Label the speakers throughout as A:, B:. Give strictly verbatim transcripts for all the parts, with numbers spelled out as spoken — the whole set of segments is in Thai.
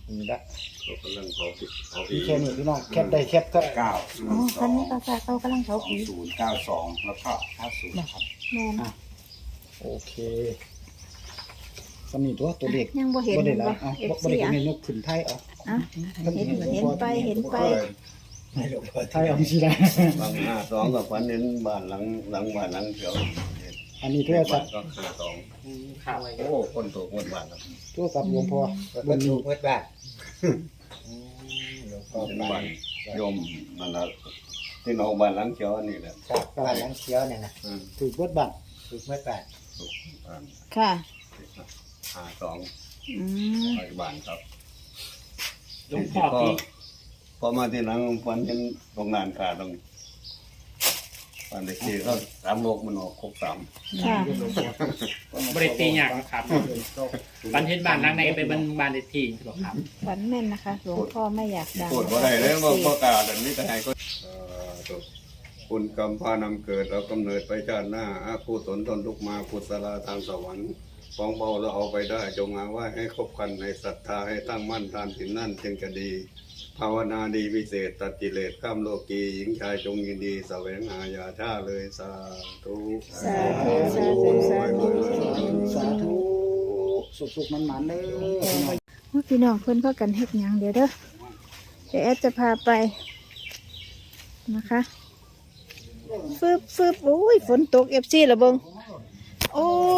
A: นี่ละ
B: เขากำลังเขาผิดเขาผิ
A: มี
B: ด
A: แค่นี้พี่น้องแคปได้แคปก็
C: เก้า
D: อ๋อคันนี้ก็จะเขากำลัง
C: ส
D: เขา
C: อง
D: ผี
C: ศูนย์เก้าสองแล้วก็ห้าศูนย์ครับ
D: แม่น
A: โอเคสำนีตัวตัวเด็ก
D: ยังบ่เห็น
A: บ่ได้หลา
D: บ่
A: ยเอา
D: เอฟ
A: บ่
D: ซี
A: ได้
D: อ่ะ
A: เห็นยกขึ้นไทยเอา
D: อ่ะเห็นเห็นไปเห็นไป
A: ไทยเอาสิได้
B: บางห้าสองกับฝันเห็นบ้านหลังหลังบ้านหลังเขียว
A: อันนี้โทรศัพท์
B: ก็ห้าสอง
E: ครับ
B: โอ้คนถูกหมดบ้านครับ
A: โทรศัพท์หลวงพ่อ
C: ก็ถูกเพื่อนบ้าน
B: เป็นบ้านโยมนั่นแหละที่น้องบ้านหลังเขียวอันนี้แหละ
C: ครับบ้านหลังเขียวเนี่ยนะ
B: อืม
A: ถูกเบิดบัตร
C: ถูกเพื่อนบ้าน
B: บ้าน
D: ค่ะ
B: ห้าสอง
D: อืม
B: ปัจจุบันครับ
E: หลวงพ่อ
B: พอ
E: ที่
B: พอมาที่หลังฝันเห็นโรงงานขาดตรงบ้านเด็กที่ก็สามโลกมันออกครบสาม
D: ค่ะ
E: บริตีอย่างนะครับบันเทศบ้านหลังในเป็นบ้านเด็กที่หรอครับ
D: ฝันแม่นนะคะหลวงพ่อไม่อยากดัง
B: พูดว่าได้เลยว่าพ่อกาดันนี้แต่ให้ก็คุณกรรมพานำเกิดเรากำเนิดไปชาติหน้าอาผู้สนทนทุกมาพุทธลาทางสวรรค์ฟ้องเบาแล้วเอาไปได้จงอาว่าให้คบกันในศรัทธาให้ตั้งมั่นทานสินนั่นจึงจะดี ภาวนาดีวิเศษตัดกิเลสข้ามโลกีหญิงชายจงยินดีแสวงหาอย่าท่าเลยสาธุ
D: สาธุสาธุสาธุ
A: สาธุสุขๆมันๆเลย
D: ว่าพี่น้องเพิ่นพากันเฮ็ดหยังเดี๋ยวเด้อเดี๋ยวแอดจะพาไปนะคะฟึบฟึบโอ้ยฝนตกเอฟซีละเบิงโอ้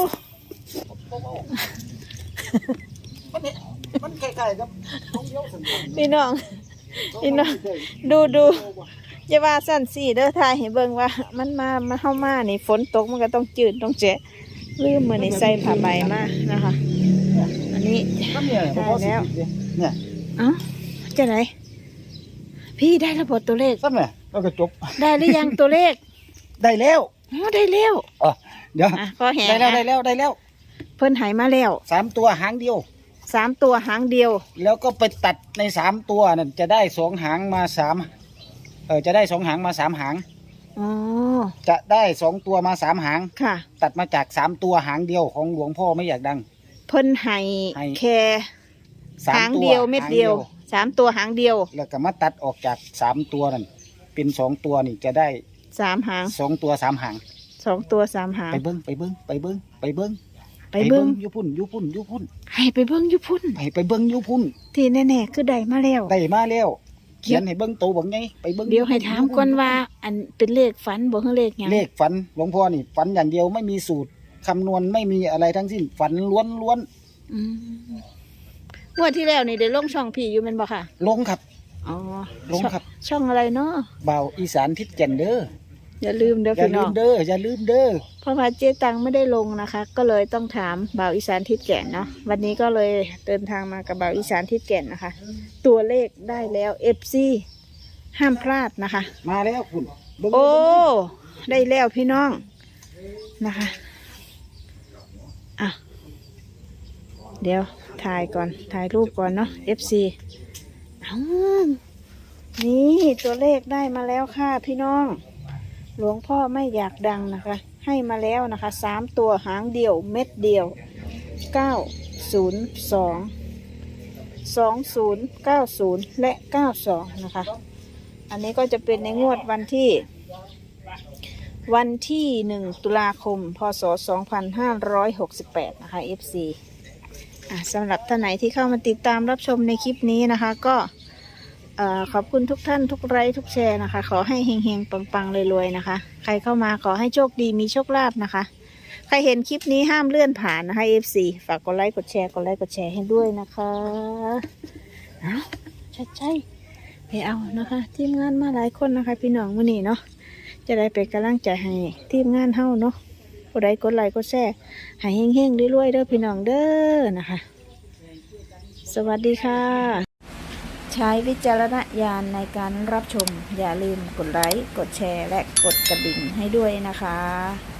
A: มันคล้ายๆกับของเดียวสัน
D: พี่น้องพี่น้องดูดูอย่าว่าสั้นสี่เด้อทายให้เบิ่งว่า มันมามาเข้ามานี่ฝนตกมันก็ต้องจืดต้องแฉะลืมมือนี่ใส่ผ้าใบมานะคะ อันนี้
A: ก็เนี่ย
D: ได้แล้ว
A: เนี่ย
D: เอ้าจะไหนพี่ได้ระบบตัวเลข
A: สั้นไหมแล้วก็จบ
D: ได้หรือยังตัวเลข
A: ได้แล้ว
D: อ๋อได้แล้ว
A: อ๋อเดี๋ยว
D: อ่ะพอแหง
A: ได้แล้วได้
D: อ่ะ
A: แล้วได้แล้ว
D: เพิ่นใหายมาแล้ว
A: สามตัวหางเดียว
D: สามตัวหางเดียว
A: แล้วก็ไปตัดในสามตัวนั่นจะได้สองหางมาสามเออจะได้สองหางมาสามหาง
D: อ๋อ
A: จะได้สองตัวมาสามหาง
D: ค่ะ
A: ตัดมาจากสามตัวหางเดียวของหลวงพ่อไม่อยากดัง
D: เพิ่นใหาย
A: ให้
D: แค่
A: สาม
D: หาง
A: ตัว
D: เดียวเม็ดเดียว
A: หาง
D: สามตัวหางเดียว
A: แล้วก็มาตัดออกจากสามตัวนั่นเป็นสองตัวนี่จะได้
D: สามหาง
A: สองตัวสามหาง
D: สองตัวสามหาง
A: ไปเบิ้งไปเบิ้งไปเบิ้งไปเบิ้ง
D: ไปเบิ้ง
A: อยุพุ่นอยุพุ่นอยุพุ่น
D: ให้ไปเบิ้งอยู่พุ่น
A: ไปไปเบิ้งอยุพุ่น
D: ที่แน่ๆคือได้มาแล้ว
A: ได้มาแล้วเขียนให้เบิ้งโตบังไงไปเบิ้ง
D: เดี๋ยวให้ถามก่อนว่า อันเป็นเลขฝันบ่คือเลขหยัง
A: เลขฝันหลวงพ่อนี่ฝันอย่างเดียวไม่มีสูตรคำนวณไม่มีอะไรทั้งสิ้นฝันล้วนล้วน
D: อืมงวดที่แล้วนี่ได้ลงช่องพี่อยู่แม่นบ่ค่ะ
A: ๆลงครับ
D: อ๋อ
A: ลงครับ
D: ช่องอะไรเนาะ
A: บ่าวอีสานทิศแก่นเด้อ
D: อย่าลืมเด้อ
A: อย่า
D: พี่
A: ลื
D: น้อ
A: ม
D: ง
A: เด้ออย่าลืมเด้อ
D: เพราะว่าเจ๊ตังไม่ได้ลงนะคะ ก็เลยต้องถามบ่าวอีสานทิศแก่นเนาะวันนี้ก็เลยเดินทางมากับบ่าวอีสานทิศแก่นนะคะ ตัวเลขได้แล้ว เอฟ ซี ห้ามพลาดนะคะ
A: มาแล้วคุณเบิ่ง
D: โอ้
A: เบิ่ง
D: ได้แล้วพี่น้องนะคะอ่ะเดี๋ยวถ่ายก่อนถ่ายรูปก่อนเนาะ เอฟ ซี เอ้านี่ตัวเลขได้มาแล้วค่ะพี่น้อง หลวงพ่อไม่อยากดังนะคะ ให้มาแล้วนะคะสามตัวหางเดียวเม็ดเดียวเก้าศูนย์สองสองศูนย์เก้าศูนย์และเก้าสองนะคะ อันนี้ก็จะเป็นในงวดวันที่ วันที่หนึ่งตุลาคมพศสองพันห้าร้อยหกสิบแปดนะคะ เอฟ ซี อ่ะสำหรับท่านไหนที่เข้ามาติดตามรับชมในคลิปนี้นะคะก็เอ่อขอบคุณทุกท่านทุกไลค์ทุกแชร์นะคะ ขอให้เฮงๆปังๆรวยๆนะคะ ใครเข้ามาขอให้โชคดีมีโชคลาภนะคะ ใครเห็นคลิปนี้ห้ามเลื่อนผ่านนะคะ เอฟ ซี ฝากกดไลค์กดแชร์กดไลค์กดแชร์ให้ด้วยนะคะเอาชัดใจไปเอานะคะทีมงานมาหลายคนนะคะพี่น้องวันนี้เนาะจะได้เป็นกำลังใจให้ทีมงานเฮาเนาะกดไลค์กดไลค์กดแชร์ให้เฮงๆรวยๆเด้อพี่น้องเด้อนะคะ สวัสดีค่ะ ใช้วิจารณญาณในการรับชมอย่าลืมกดไลค์กดแชร์และกดกระดิ่งให้ด้วยนะคะ